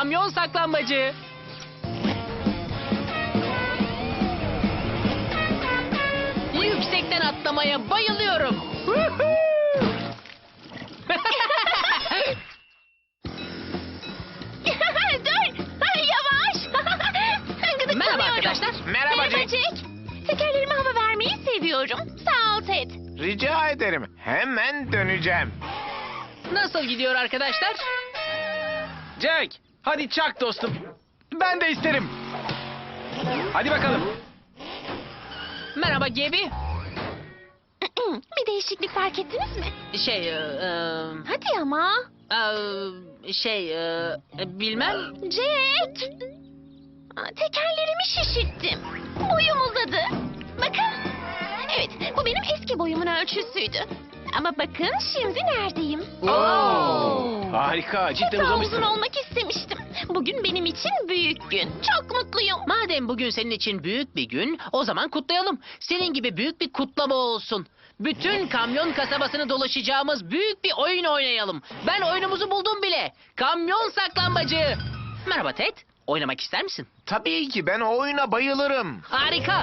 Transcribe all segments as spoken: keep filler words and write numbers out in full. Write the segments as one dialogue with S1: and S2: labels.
S1: kamyon saklambacı. Yüksekten atlamaya bayılıyorum.
S2: Dur! Yavaş!
S1: Merhaba arkadaşlar.
S3: Merhaba Jack.
S2: Jack. Tekerlerime hava vermeyi seviyorum. Sağ ol Ted.
S3: Rica ederim. Hemen döneceğim.
S1: Nasıl gidiyor arkadaşlar?
S4: Jack, hadi çak dostum. Ben de isterim. Hadi bakalım.
S1: Merhaba Gebi.
S2: Bir değişiklik fark ettiniz mi?
S1: Şey, e, e,
S2: Hadi ama.
S1: e, şey, e, bilmem.
S2: Jack! Aa, tekerlerimi şişirttim. Boyum uzadı. Bakın. Evet, bu benim eski boyumun ölçüsüydü. Ama bakın şimdi neredeyim?
S1: Oo.
S4: Harika, cidden
S2: Hep daha
S4: uzamışsın.
S2: uzun olmak istemiştim. Bugün benim için büyük gün. Çok mutluyum.
S1: Madem bugün senin için büyük bir gün, o zaman kutlayalım. Senin gibi büyük bir kutlama olsun. Bütün kamyon kasabasını dolaşacağımız büyük bir oyun oynayalım. Ben oyunumuzu buldum bile. Kamyon saklambacı. Merhaba Ted. Oynamak ister misin?
S3: Tabii ki ben o oyuna bayılırım.
S1: Harika.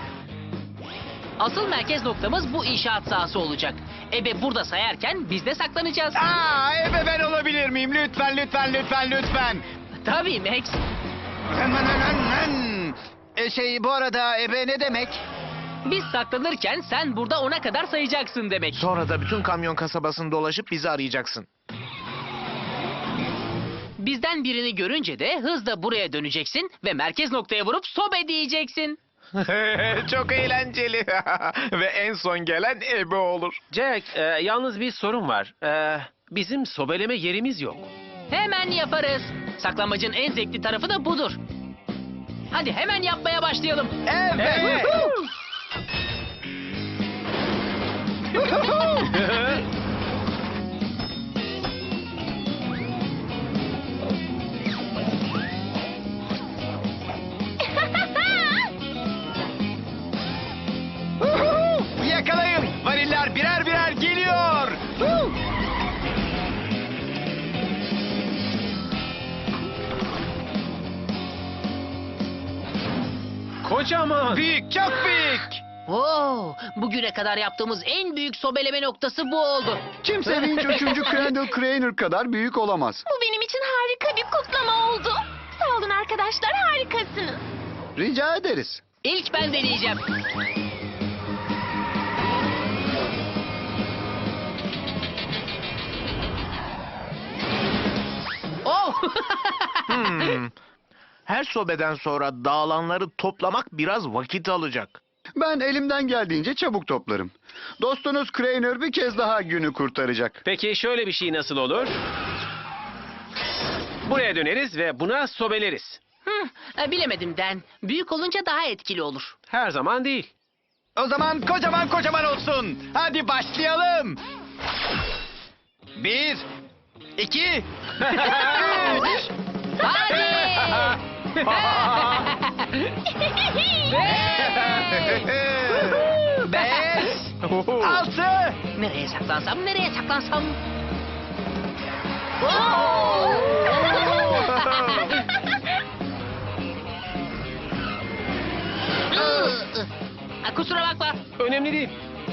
S1: Asıl merkez noktamız bu inşaat sahası olacak. Ebe burada sayarken biz de saklanacağız.
S4: Aa, Ebe ben olabilir miyim? Lütfen, lütfen, lütfen, lütfen.
S1: Tabii Max.
S4: E şey, bu arada Ebe ne demek?
S1: Biz saklanırken sen burada ona kadar sayacaksın demek.
S3: Sonra da bütün kamyon kasabasını dolaşıp bizi arayacaksın.
S1: Bizden birini görünce de hızla buraya döneceksin ve merkez noktaya vurup sobe diyeceksin.
S3: Çok eğlenceli. Ve en son gelen Ebe olur.
S4: Jack, e, yalnız bir sorun var. E, bizim sobeleme yerimiz yok.
S1: Hemen yaparız. Saklamacın en zevkli tarafı da budur. Hadi hemen yapmaya başlayalım.
S4: Evet. Yakalayın. Variller birer birer geliyor. Kocaman. Büyük, çok büyük.
S1: Oo, bugüne kadar yaptığımız en büyük sobeleme noktası bu oldu.
S5: Kimse vinç uçumcu Crandall Craner kadar büyük olamaz.
S2: Bu benim için harika bir kutlama oldu. Sağ olun arkadaşlar, harikasınız.
S5: Rica ederiz.
S1: İlk ben deneyeceğim. Oh!
S3: Hmm. Her sobeden sonra dağılanları toplamak biraz vakit alacak.
S5: Ben elimden geldiğince çabuk toplarım. Dostunuz Craner bir kez daha günü kurtaracak.
S4: Peki şöyle bir şey nasıl olur? Buraya döneriz ve buna sobeleriz.
S1: Hı, e, bilemedim Den. Büyük olunca daha etkili olur.
S4: Her zaman değil. O zaman kocaman kocaman olsun. Hadi başlayalım. Bir, iki, üç.
S1: Hadi!
S4: Beş, altı.
S1: Nereye saklansam, nereye saklansam? Ha, kusura bakma.
S4: Önemli değil.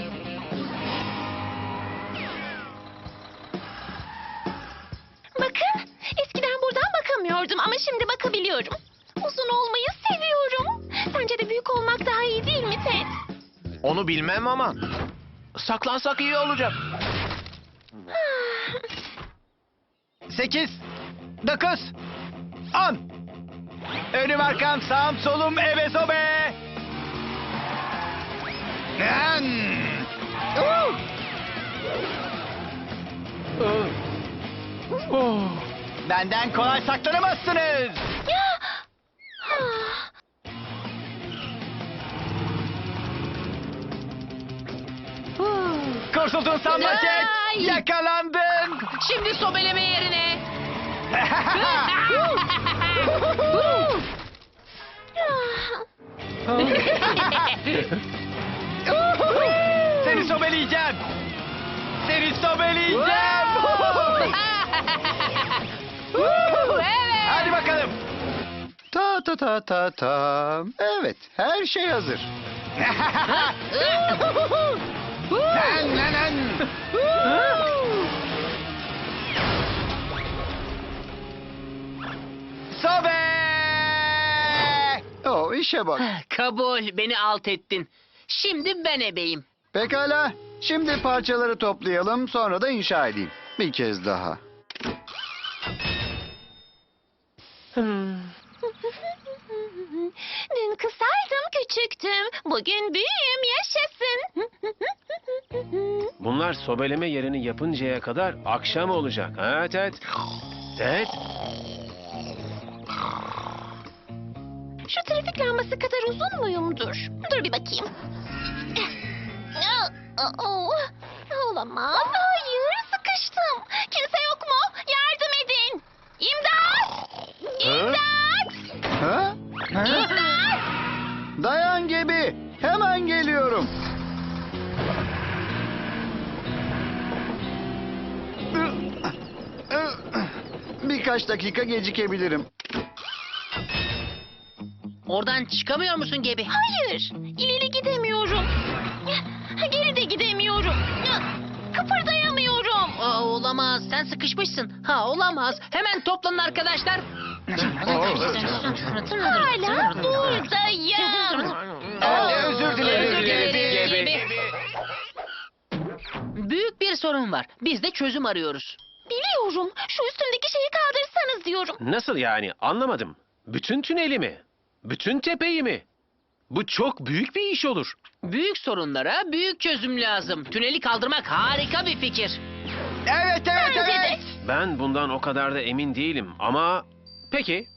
S2: Bakın, eskiden buradan bakamıyordum ama şimdi bakabiliyorum. Uzun olmayı seviyorum. Sence de büyük olmak daha iyi değil mi Ted?
S3: Onu bilmem ama saklansak iyi olacak.
S4: Sekiz, dokuz, on. Önüm arkam sağım solum ebe sobe. Benden kolay saklanamazsınız.
S2: Ya! Ah!
S4: Kurtuldun sanma Jack.
S1: Ay!
S4: Yakalandın.
S1: Şimdi sobeleme yerine.
S4: Seni sobeleyeceğim. Seni sobeleyeceğim.
S1: Evet.
S4: Hadi bakalım.
S5: ta ta ta ta. Evet, her şey hazır.
S4: Lan lan lan. Sobe!
S5: Oh, işe bak.
S1: Kabul, beni alt ettin. Şimdi ben ebeyim.
S5: Pekala. Şimdi parçaları toplayalım, sonra da inşa edeyim. Bir kez daha.
S2: Dün kısaydım, küçüktüm. Bugün büyüğüm, yaşasın.
S6: Bunlar sobeleme yerini yapıncaya kadar akşam olacak. Ha Ted? Ted?
S2: Şu trafik lambası kadar uzun muyumdur? Dur bir bakayım. Aa, olamaz. Hayır, sıkıştım. Kimse yok mu? Yardım edin. İmdat! İmdat!
S5: Ha? Ha? Dayan gibi. Hemen geliyorum. Birkaç dakika gecikebilirim.
S1: Oradan çıkamıyor musun Gebi?
S2: Hayır, ileri gidemiyorum. Geri de gidemiyorum. Kıpırdayamıyorum.
S1: Aa, olamaz, sen sıkışmışsın. Ha, olamaz. Hemen toplanın arkadaşlar.
S2: Hala buradayım.
S4: Özür dilerim.
S1: Özür dilerim
S6: Gebi.
S1: Gebi. Büyük bir sorun var. Biz de çözüm arıyoruz.
S2: Biliyorum. Şu üstündeki şeyi kaldırsanız diyorum.
S6: Nasıl yani? Anlamadım. Bütün tüneli mi? Bütün tepeyi mi? Bu çok büyük bir iş olur.
S1: Büyük sorunlara büyük çözüm lazım. Tüneli kaldırmak harika bir fikir.
S4: Evet evet
S2: Bence de.
S4: evet.
S6: Ben bundan o kadar da emin değilim ama... Peki.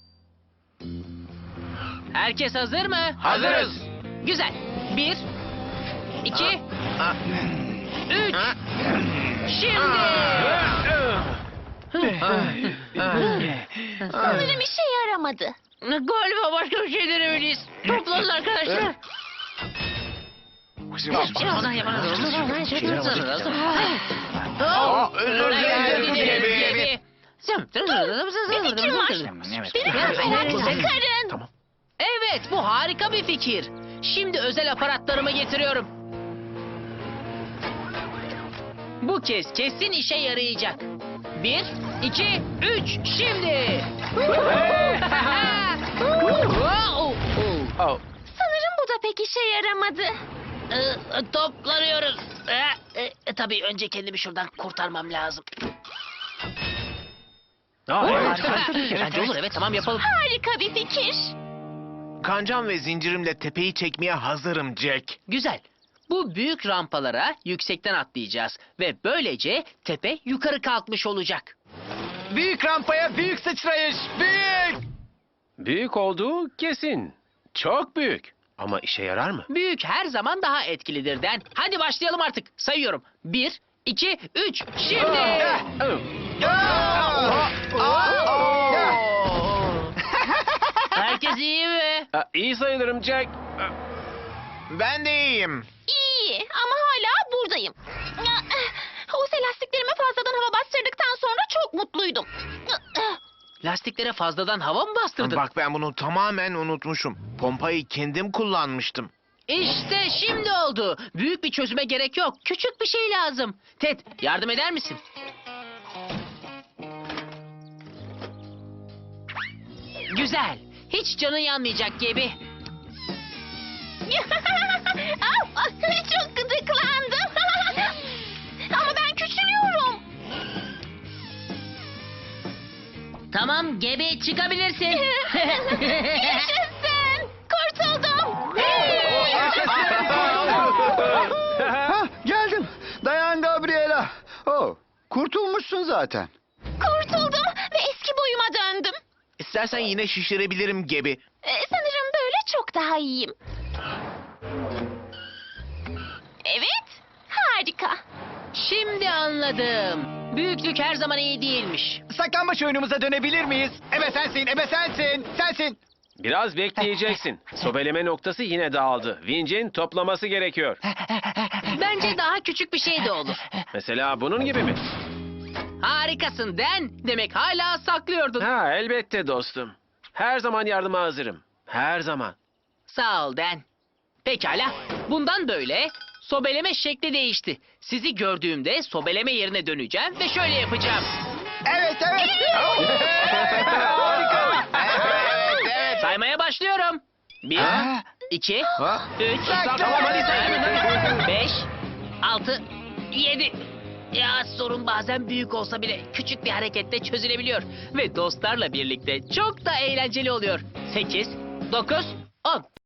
S1: Herkes hazır mı?
S3: Hazırız.
S1: Güzel. Bir, iki, üç. Şimdi.
S2: Sanırım işe yaramadı.
S1: Galiba başka bir şey denemeliyiz. Toplanın arkadaşlar.
S3: Aa, özür dilerim Gebi.
S2: Bir fikrim var. Beni kafeden çıkarın.
S6: Tamam.
S1: Evet, bu harika bir fikir. Şimdi özel aparatlarımı getiriyorum. Bu kez kesin işe yarayacak. Bir, iki, üç, şimdi.
S6: Oh.
S2: Sanırım bu da pek işe yaramadı.
S1: Ee, toplanıyoruz. Ee, e, tabii önce kendimi şuradan kurtarmam lazım.
S6: Aa, evet.
S1: Bence olur, evet, tamam yapalım.
S2: Harika bir fikir.
S3: Kancam ve zincirimle tepeyi çekmeye hazırım Jack.
S1: Güzel. Bu büyük rampalara yüksekten atlayacağız ve böylece tepe yukarı kalkmış olacak.
S4: Büyük rampaya büyük sıçrayış. Büyük.
S6: Büyük olduğu kesin. Çok büyük. Ama işe yarar mı?
S1: Büyük her zaman daha etkilidir Den. Hadi başlayalım artık. Sayıyorum. Bir, iki, üç, şimdi.
S6: Oh.
S1: Herkes iyi mi?
S6: Aa, iyi sayılırım Jack.
S3: Ben de iyiyim.
S2: İyi ama hala buradayım. O lastiklerime fazladan hava bastırdıktan sonra çok mutluydum.
S1: Lastiklere fazladan hava mı bastırdın?
S3: Bak ben bunu tamamen unutmuşum. Pompayı kendim kullanmıştım.
S1: İşte şimdi oldu. Büyük bir çözüme gerek yok. Küçük bir şey lazım. Ted, yardım eder misin? Güzel. Hiç canın yanmayacak gibi.
S2: Au, çok gıdıklandım. Ama ben küçülüyorum.
S1: Tamam, gebe çıkabilirsin.
S2: Yaşasın. Kurtuldum.
S5: Hah, geldim. Dayan Gabriela. Oh, kurtulmuşsun zaten.
S2: Kurtuldum ve eski boyuma döndüm.
S3: İstersen yine şişirebilirim Gebi.
S2: Ee, sanırım böyle çok daha iyiyim. Evet, harika.
S1: Şimdi anladım. Büyüklük her zaman iyi değilmiş.
S4: Saklambaç oyunumuza dönebilir miyiz? Ebe sensin, ebe sensin, sensin.
S6: Biraz bekleyeceksin. Sobeleme noktası yine dağıldı. Vincin toplaması gerekiyor.
S1: Bence daha küçük bir şey de olur.
S6: Mesela bunun gibi mi?
S1: Harikasın Den. Demek hala saklıyordun.
S6: Ha elbette dostum. Her zaman yardıma hazırım. Her zaman.
S1: Sağ ol Dan. Pekala. Bundan böyle sobeleme şekli değişti. Sizi gördüğümde sobeleme yerine döneceğim ve şöyle yapacağım.
S4: Evet evet.
S3: Harika. Evet, evet.
S1: Saymaya başlıyorum. Bir,
S4: Ha?
S1: iki,
S3: Ha?
S1: üç,
S3: Tamam, hadi say.
S1: beş, altı, yedi. Ya sorun bazen büyük olsa bile küçük bir harekette çözülebiliyor. Ve dostlarla birlikte çok da eğlenceli oluyor. Sekiz, dokuz, on.